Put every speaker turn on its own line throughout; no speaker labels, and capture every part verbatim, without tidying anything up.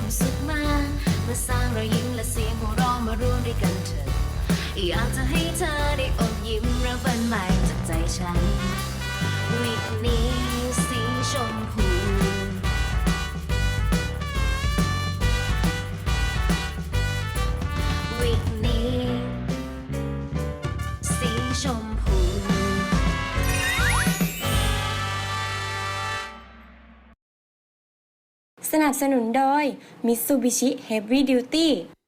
ความสุขมามาสร้างรอยยิ้มและเสียงหัวเราะมาร่วมด้วยกันเถอะอยากจะให้เธอได้อมยิ้มเริ่มฝันใหม่จากใจฉันวิกนี้สีชมพูวิกนี้สีชมพู
สนับสนุนโดย Mitsubishi Heavy Duty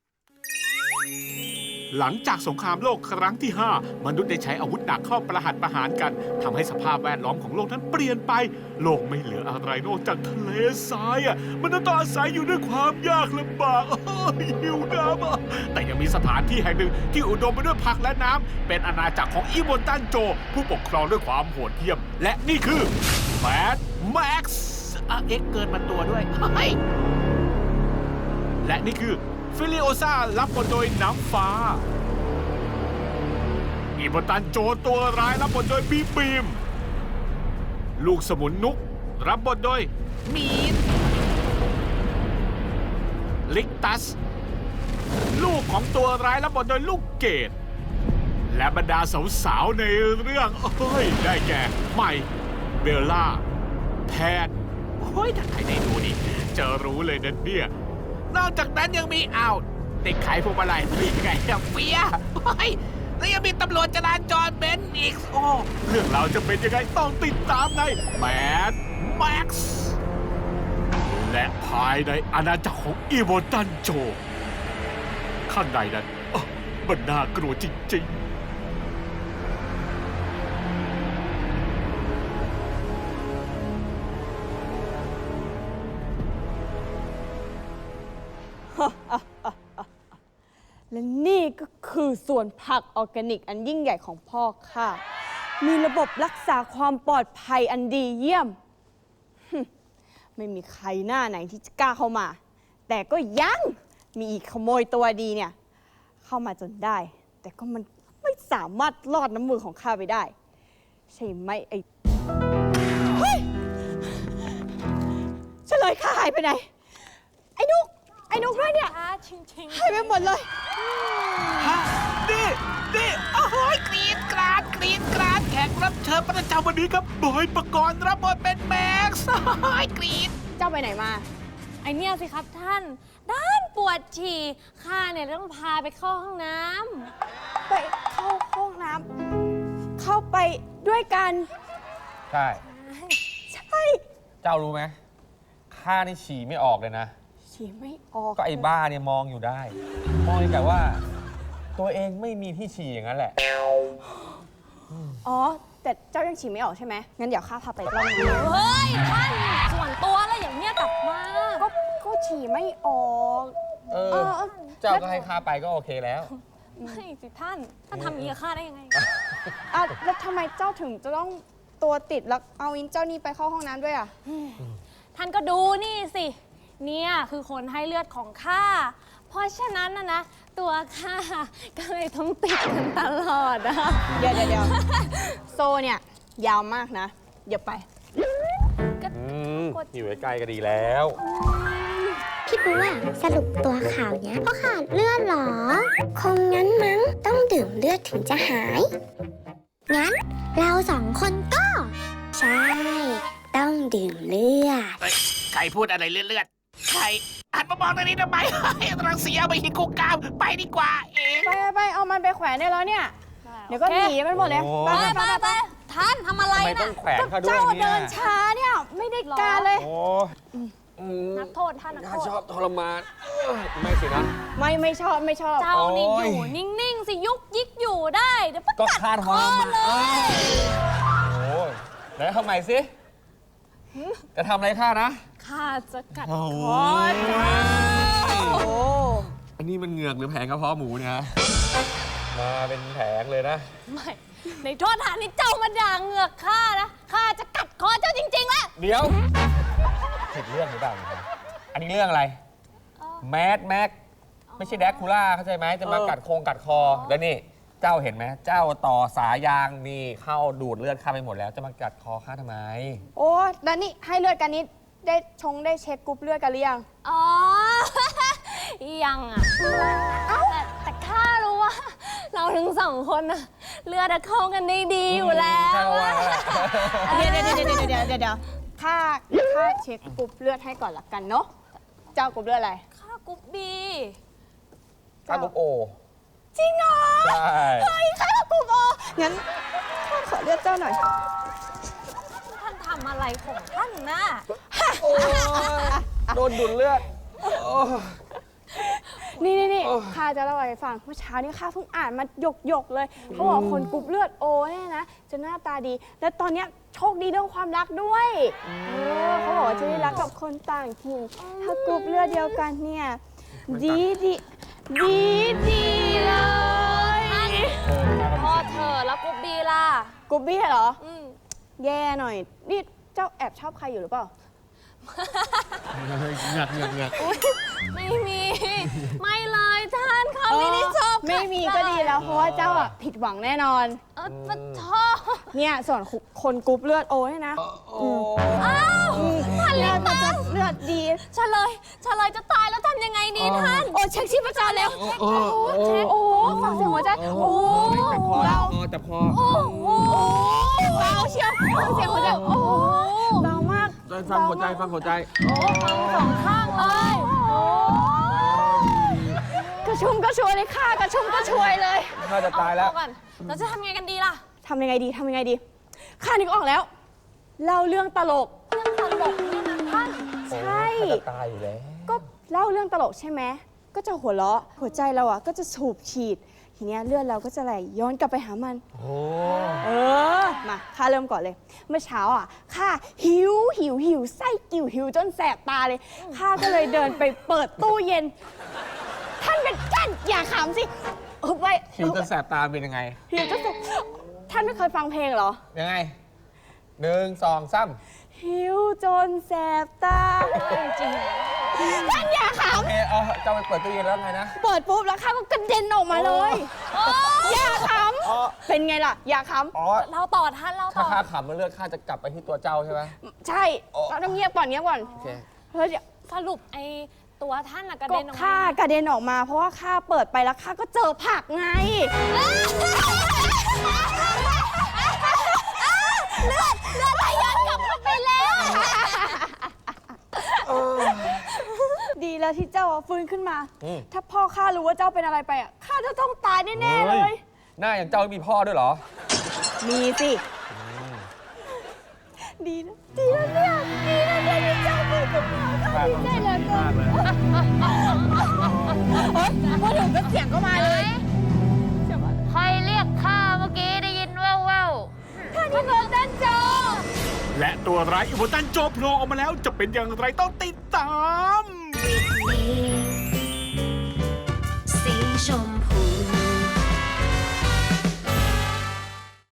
หลังจากสงครามโลกครั้งที่ ห้า มนุษย์ได้ใช้อาวุธหนักเข้าประหัตประหารกันทำให้สภาพแวดล้อมของโลกนั้นเปลี่ยนไปโลกไม่เหลืออะไรนอกจากทะเลทรายอ่ะมันต้องอาศัยอยู่ด้วยความยากลำบากหิวน้ำอ่ะแต่ยังมีสถานที่แห่งหนึ่งที่อุดมไปด้วยผักและน้ำเป็นอาณาจักรของอีโบนตันโจผู้ปกครองด้วยความโหดเหี้ยมและนี่คือแมดแม็กซ์เอ็กเกินมาตัวด้วยและนี่คือฟิลิโอซารับบทโดยน้ำฟ้าอีโบตันโจตัวร้ายรับบทโดยบีบีมลูกสมุนนุกรับบทโดยมีนลิกตัสลูกของตัวร้ายรับบทโดยลูกเกดและบรรดาสาวๆในเรื่องเอ้ยได้แก่ใหม่เบลล่าแพทโอ้ยถ้าใครได้ดูนี่จะรู้เลยนะเนี่ยนอกจากนั้นยังมีอ้าวเด็กขายพวงมาลัยมีไงเฟียโอ้ยแล้วยังมีตำรวจจราจรเบนซ์อีกโอ้เรื่องราวจะเป็นยังไงต้องติดตามในแมดแม็กซ์และภายในอาณาจักรของอีโวตันโจข้างในนั้นมันน่ากลัวจริงๆ
และนี่ก็คือสวนผักออร์แกนิกอันยิ่งใหญ่ของพ่อค่ะมีระบบรักษาความปลอดภัยอันดีเยี่ยมไม่มีใครหน้าไหนที่จะกล้าเข้ามาแต่ก็ยังมีอีกขโมยตัวดีเนี่ยเข้ามาจนได้แต่ก็มันไม่สามารถลอดน้ำมือของข้าไปได้ใช่ไหมไอ้เฮ้ยเฉลยข้าหายไปไหนไอ้นุกไอ้นุกด้วยเนี่ยหายไปหมดเลย
นี่นี่โอ้โหกรีดกราดกรีดกราดแขกรับเชิญประจำวันนี้ครับบอยปกรณ์รับบทเป็นแม็กซ์กรีด
เจ้าไปไหนมา
ไอเนี่ยสิครับท่านด้านปวดฉี่ข้าเนี่ยต้องพาไปเข้าห้องน้
ำไปเข้าห้องน้ำเข้าไปด้วยกัน
ใช่
ใช่
เจ้ารู้ไหมข้านี่ฉี่ไม่ออกเลยนะ
ฉี่ไม่ออก
ก็ไอ้บ้าเนี่ยมองอยู่ได้มองแต่ว่าตัวเองไม่มีที่ฉี่อย่างนั้นแหละ
อ๋อแต่เจ้ายังฉี่ไม่ออกใช่ไหมงั้นเดี๋ยวข้าพาไปรอบนึง
เฮ้ยท่านส่วนตัวแล้วอย่างเนี้ยกลับมา
ก็ก็ฉี่ไม่ออก
เออเจ้าก็ให้ข้าไปก็โอเคแล้ว
ไม่สิท่านท่านทำอย่างนี้กับข้าได้ยังไง
อ่ะแล้วทำไมเจ้าถึงจะต้องตัวติดแล้วเอาอินเจ้านี่ไปเข้าห้องน้ำด้วยอ่ะ
ท่านก็ดูนี่สิเนี่ยคือคนให้เลือดของข้าเพราะฉะนั้นนะนะตัวข้าก็เลยต้องติดกันตลอดอะ
เดี๋ยวเดี๋ยวโซเนี่ยยาวมากนะเดี๋ยวไป
อยู่ใกล้ๆก็ดีแล้ว
พี่บัวสรุปตัวข่าวเนี้ยเพราะขาดเลือดหรอคงงั้นมั้งต้องดื่มเลือดถึงจะหายงั้นเราสองคนก็ใช่ต้องดื่มเลือด
ใครพูดอะไรเลือดใครหันมามองตรงนี้ทำไมรังเสียไปหินกูกามไปดีกว่าเอง
ไปไปเอามันไปแขวนได้แล้วเนี่ยเดี๋ยวก็หนีมันหมดเลย
ไปไปไปท่านทำอะไรนะ
ต้องแขวนเขาด้วย
เนี่ยเจ้าเดินช้าเนี่ยไม่ได้การเลย
นักโทษท่านนักโทษ
ชอบทรมานไม่สินะ
ไม่ไม่ชอบไม่ชอบ
เจ้านี่อยู่นิ่งๆสิยุกยิกอยู่ได้เดี๋ยว
ก็คาดทรมานเลยโอ้ยแล้วทำไมสิจะทำอะไรข้านะ
ข้าจะกัดคอ
โอ้อันนี้มันเหงือกหรือแผงกระเพาะหมูเนี่ยมาเป็นแผงเลยนะ
ไม่ในโทษฐานนี้เจ้ามาด่าเหงือกข้านะข้าจะกัดคอเจ้าจริงๆแล้ว
เดี๋ยวผิดเรื่องหรือเปล่าอันนี้เรื่องอะไรแมดแม็กไม่ใช่แดกคูล่าเข้าใจไหมจะมากัดโครงกัดคอแล้วนี่เจ้าเห็นไหมเจ้าต่อสายยางนี่เข้าดูดเลือดข้าไปหมดแล้วจะมากัดคอข้าทำไม
โอ้แล้วนี่ให้เลือดกันนี้ได้ชงได้เช็คกรุ๊ปเลือดกันหรือยัง
อ๋อยังอ่ะแต่แต่ข้ารู้ว่า เราทั้งสองคนน่ะเลือดอะเข้ากันได้ดีอยู่แล้ว
ใช่ว่า
เดี๋ยวเดี๋ยวเดี๋ยวเดี๋ยวเดี๋ยวเดี๋ยวเดี๋ยวข้าข้าเช็คกรุ๊ปเลือดให้ก่อนละกันเนาะ เจ้ากรุ๊ปเลือดอะไร
ข้ากรุ๊ปบี
ข้ากรุ๊ปโอ
จริงเหรอ
ใช่
เฮ้ยข้ากรุ๊ปโองั้นข้าขอเลือดเจ้าหน่อย
ท่านทำอะไรของท่านน่ะ
โอ้ยโดนดูดเลือดโอ้ย
นี่นี่นี่ข้าจะเล่าอะไรให้ฟังเมื่อเช้านี้ข้าเพิ่งอ่านมาหยกหยกๆเลยเขาบอกคนกรุ๊ปเลือดโอเนี่ยนะจะหน้าตาดี และตอนเนี้ยโชคดีเรื่องความรักด้วยเออเขาบอกว่าจะได้รักกับคนต่างถิ่นถ้ากรุ๊ปเลือดเดียวกันเนี่ยดีดีดีดีเลย
พอเธอแล้วกรุ๊ปบีล่ะ
กรุ๊ปบี้เหรอ
อืม
แย่หน่อยนี่เจ้าแอบชอบใครอยู่หรือเปล่า
เงือกเงือกเงือก
ไม่มี ไม่เลยท่านเขาไม่ได้ชอบ
ไม่มีก็ดีแล้วเพราะว่าเจ้าอ่ะผิดหวังแน่นอน
เออปะชอบ
เนี่ยส่วนคนกรุ๊ปเลือดโอเนี่ยนะ
โอ้
อ้าวท่าน
เลื
เลี้
อย
ง
ดมัน
ตั
จะ
ง
เลือดดี
เฉลยเฉลยจะตายแล้วทำยังไงดีท่าน
โอ้เช็คชีพจรแล้ว
โอ้โอ้
เช็คโอ้โหฟังเสียงหัวใจโอ้โห
จับคอ
เบา
จับคอ
โอ้โห
เบาเชียวฟังเสียงหัวใจโอ้โหเบามาก
ฟังหัวใจฟังหัวใจ
สองข้างเลย
กระชุ่มกระชวยเลยค่ะกระชุ่มกระชวยเลย
ข้าจะตายแล้ว
เอก่อนเราจะทำยังไงกันดีล่ะ
ทำยังไงดีทำยังไงดีข้านึกออกแล้วเล่าเรื่องตลก
เรื่องตลกเนี่ยนะท่าน
ใช่
ข้าจะตายอยู่แล้ว
ก็เล่าเรื่องตลกใช่ไหมก็จะหัวเราะหัวใจเราอ่ะก็จะสูบฉีดทีเนี้ยเลือดเราก็จะไหลย้อนกลับไปหามัน
โอ้
เออ มาข้าเริ่มก่อนเลย เมื่อเช้าอ่ะข้าหิวหิวหิวไส้กิ่วหิวจนแสบตาเลยข้าก็เลยเดินไปเปิดตู้เย็น ท่านเป็นท่านอย่าขำสิเออไป
หิวจะแสบตาเป็นยังไง
หิวจะแสบท่านไม่เคยฟังเพลงเหรอ
ยังไงหนึ่งสองสาม
หิวจนแสบตาจริงๆท่านอย่าข
โอเคเอาเจ้าไปเปิดตู้เย็นแล้วไงนะ
ำเปิดปุ๊บแล้วข้าก็กระเด็นออกมาเลยอย่าข
อ๋อ
ำเป็นไงล่ะ อย่าข
อ๋อ
เราต่อท่านเรา
ถ้า
ต่อ
ข้าขำมันเลือดข้าจะกลับไปที่ตัวเจ้าใช่ไหม
ำใช่เราต้องเงียบก่อนเงียบก่อน
โอเค
เฮ้ยเดี๋ยว
สรุปไอ้ตัวท่านน่ะกระ
ก็
เด็นออก
ข้า
มา
กระเด็นออกมา เพราะว่าข้าเปิดไปแล้วข้าก็เจอผักไง
เลือดเลือดไหลย้อนกลับเข้าไปแล้ว
ดีแล้วที่เจ้าฟื้นขึ้นมา
อืม
ถ้าพ่อข้ารู้ว่าเจ้าเป็นอะไรไปอ่ะข้าจะต้องตายแน่ๆเลย
หน้าอย่างเจ้ามีพ่อด้วยเหรอ
มีสิดีนะดีนะเนี่ยดีนะเนี่ยที่เจ้าฟื้นขึ้นมาข้าดีใจเหลือเกินเฮ้ยพูดถึงก็เสียงก็มาเลยเสียงมาเลย
ใครเรียกข้าเมื่อกี้ได้ยินแว่ว
ท่านที่เบิร์ดดันโจ
และตัวร้ายอิโมตันโจโผล่ออกมาแล้วจะเป็นอย่างไรต้องติดตาม
สีชมพู